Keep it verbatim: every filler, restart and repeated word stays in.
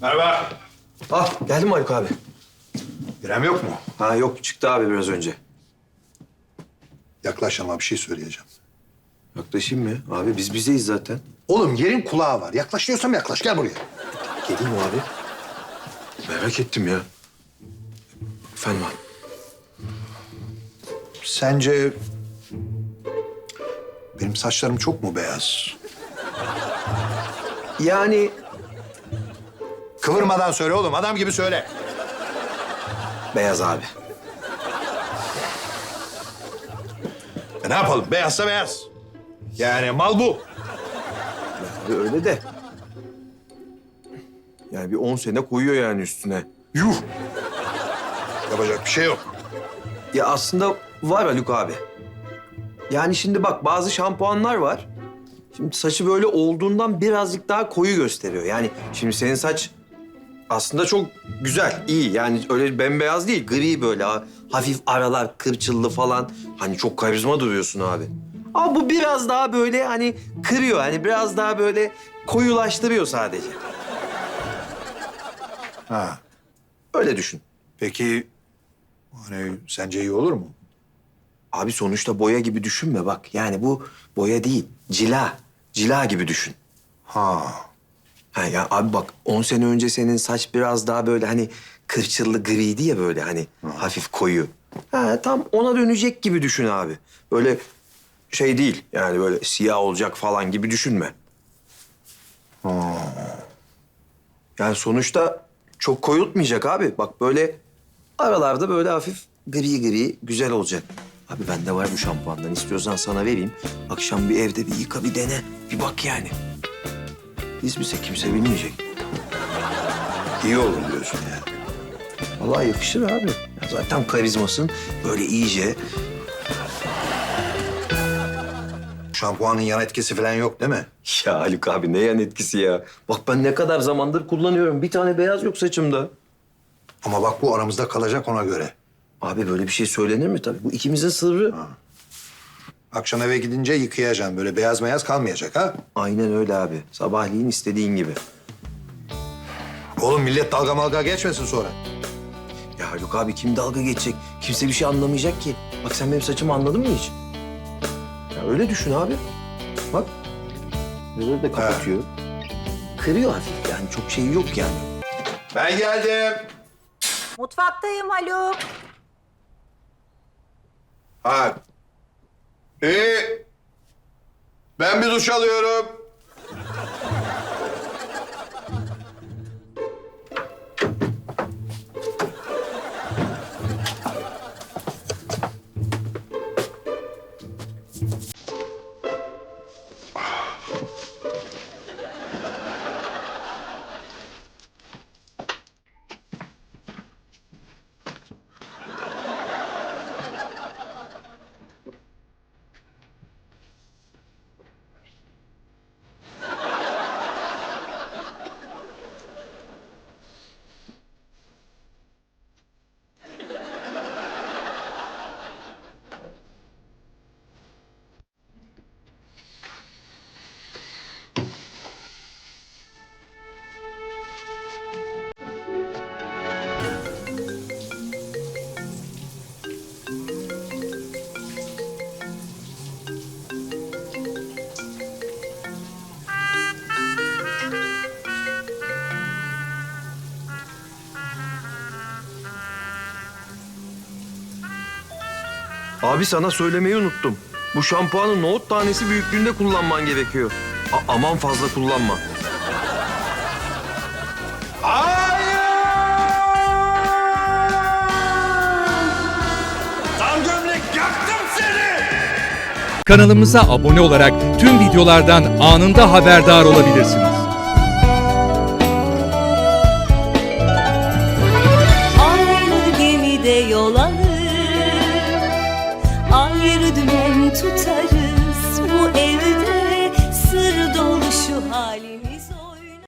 Merhaba. Ah geldi mi Haluk abi? İrem yok mu? Ha yok çıktı abi biraz önce. Yaklaş ama bir şey söyleyeceğim. Yaklaşayım mı? Abi biz bizeyiz zaten. Oğlum yerin kulağı var. Yaklaş diyorsam yaklaş. Gel buraya. Geleyim mi abi? Merak ettim ya. Efendim abi. Sence benim saçlarım çok mu beyaz? Yani Kıvırmadan söyle oğlum. Adam gibi söyle. beyaz abi. E ne yapalım? Beyazsa beyaz. Yani mal bu. Abi öyle de. Yani bir on sene koyuyor yani üstüne. Yuh. Yapacak bir şey yok. Ya aslında var Haluk abi. Yani şimdi bak bazı şampuanlar var. Şimdi saçı böyle olduğundan birazcık daha koyu gösteriyor. Yani şimdi senin saç aslında çok güzel, iyi. Yani öyle bembeyaz değil, gri böyle ha- hafif aralar kırçıllı falan. Hani çok karizma duruyorsun abi. Ama bu biraz daha böyle hani kırıyor. Hani biraz daha böyle koyulaştırıyor sadece. Ha. Öyle düşün. Peki hani sence iyi olur mu? Abi sonuçta boya gibi düşünme bak. Yani bu boya değil, cila. Cila gibi düşün. Ha. Ha ya abi bak on sene önce senin saç biraz daha böyle hani kırçıllı griydi ya böyle hani hafif koyu. Ha tam ona dönecek gibi düşün abi. Böyle şey değil yani böyle siyah olacak falan gibi düşünme. Yani sonuçta çok koyultmayacak abi. Bak böyle aralarda böyle hafif gri gri güzel olacak. Abi bende var bu şampuandan. İstiyorsan sana vereyim. Akşam bir evde bir yıka bir dene. Bir bak yani. Biz bize kimse bilmeyecek. İyi olur diyorsun yani. Vallahi yakışır abi. Ya zaten karizmasın böyle iyice. Şampuanın yan etkisi falan yok değil mi? Ya Haluk abi ne yan etkisi ya. Bak ben ne kadar zamandır kullanıyorum. Bir tane beyaz yok saçımda. Ama bak bu aramızda kalacak ona göre. Abi böyle bir şey söylenir mi tabii? Bu ikimizin sırrı. Akşam eve gidince yıkayacaksın. Böyle beyaz beyaz kalmayacak ha? Aynen öyle abi. Sabahleyin istediğin gibi. Oğlum millet dalga malga geçmesin sonra. Ya Haluk abi kim dalga geçecek? Kimse bir şey anlamayacak ki. Bak sen benim saçımı anladın mı hiç? Ya öyle düşün abi. Bak. Böyle de kapatıyor. Kırıyor hafif yani çok şey yok yani. Ben geldim. Mutfaktayım Haluk. Ha. İyi. Ben bir duş alıyorum. Abi sana söylemeyi unuttum. Bu şampuanı nohut tanesi büyüklüğünde kullanman gerekiyor. A- aman fazla kullanma. Tam gömlek yaktım seni! Kanalımıza abone olarak tüm videolardan anında haberdar olabilirsiniz.